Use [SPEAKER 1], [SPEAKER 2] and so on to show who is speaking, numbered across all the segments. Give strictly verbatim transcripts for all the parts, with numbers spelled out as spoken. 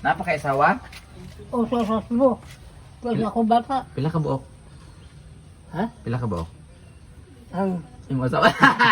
[SPEAKER 1] Napakaisawa?
[SPEAKER 2] O sa sas mo. Kasi ako bata.
[SPEAKER 1] Pila ka buok?
[SPEAKER 2] Ha?
[SPEAKER 1] Pila ka buok?
[SPEAKER 2] Ang
[SPEAKER 1] Yung asawa.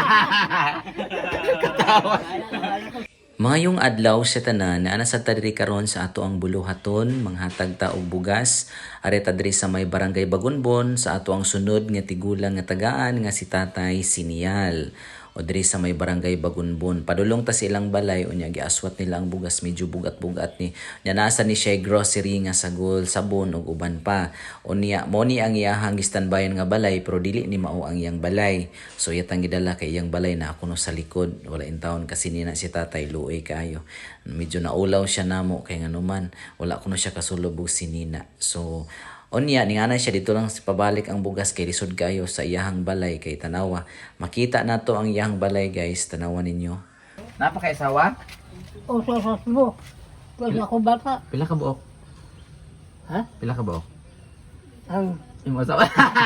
[SPEAKER 1] Katawa.
[SPEAKER 3] Mayong adlaw sa tanan na ana sa tadiri karon sa ato ang buluhaton manghatag ta og bugas are tadiri sa may barangay Bagunbon sa ato ang sunod nga tigulang nga tagaan nga si Tatay Sinial o diri sa may barangay Bagunbon. Padulong ta silang balay unya giaswat nila ang bugas medyo bugat-bugat ni nya nasa ni siya grocery nga sagol, sabon ug uban pa. Unya mo ni ang iyahang gistanbayan nga balay pero dili ni mao ang iyang balay. So yatang gidala kay iyang balay na kuno sa likod wala in taon kasi nina si Tatay luoy kayo. Medyo naulaw siya namo kay nganuman wala kuno siya kasulubog si Nina. So Onya, ninganay siya dito lang si pabalik ang bugas kay lisod kayo sa iyahang balay kay tanawa. Makita nato ang iyahang balay guys, tanawa ninyo.
[SPEAKER 1] Napakaisawa?
[SPEAKER 2] o sa sas mo. Kasi ako bata.
[SPEAKER 1] Pila ka buok?
[SPEAKER 2] Ha?
[SPEAKER 1] Pila ka buok?
[SPEAKER 2] Ang
[SPEAKER 1] Yung asawa.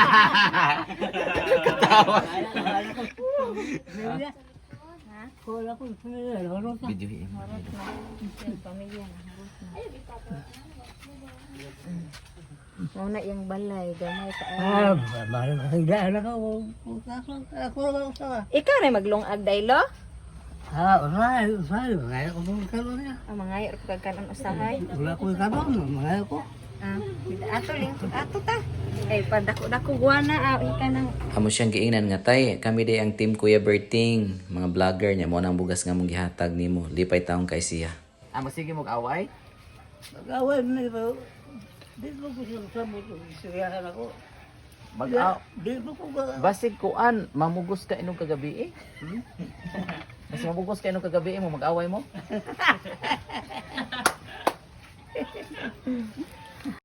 [SPEAKER 1] Katawa.
[SPEAKER 2] wala ko pamilya. Wala ko.
[SPEAKER 1] Video him.
[SPEAKER 4] Muna yung balay, gamay ka.
[SPEAKER 2] Ah, mahal ka higdaan ako. Ako lang sa.
[SPEAKER 4] Ikaw na maglungag daylo?
[SPEAKER 2] Ah, usahay, usahay. Mga ako ng kanon niya.
[SPEAKER 4] Ang mga ayot ko kagkanon usahay.
[SPEAKER 2] Wala ko yung kanon. Mga ako.
[SPEAKER 4] Ah, ato ling ato ta. Kay padako-dako guana ah, ika nang
[SPEAKER 3] Amo siyang giingnan nga tay, kami day ang team Kuya Berting, mga vlogger niya mo nang bugas nga mong gihatag nimo. Lipay taong kay siya.
[SPEAKER 1] Amo sige mong away?
[SPEAKER 2] Mag-away mo ito. Di ko ko siya sabot. Isiriyahan ako.
[SPEAKER 1] Mag-aw.
[SPEAKER 2] Di ko ko ba.
[SPEAKER 1] Basig kuan, mamugos ka inong kagabi eh. Hmm? Mas mamugos ka inong kagabi eh, mo mag-away mo?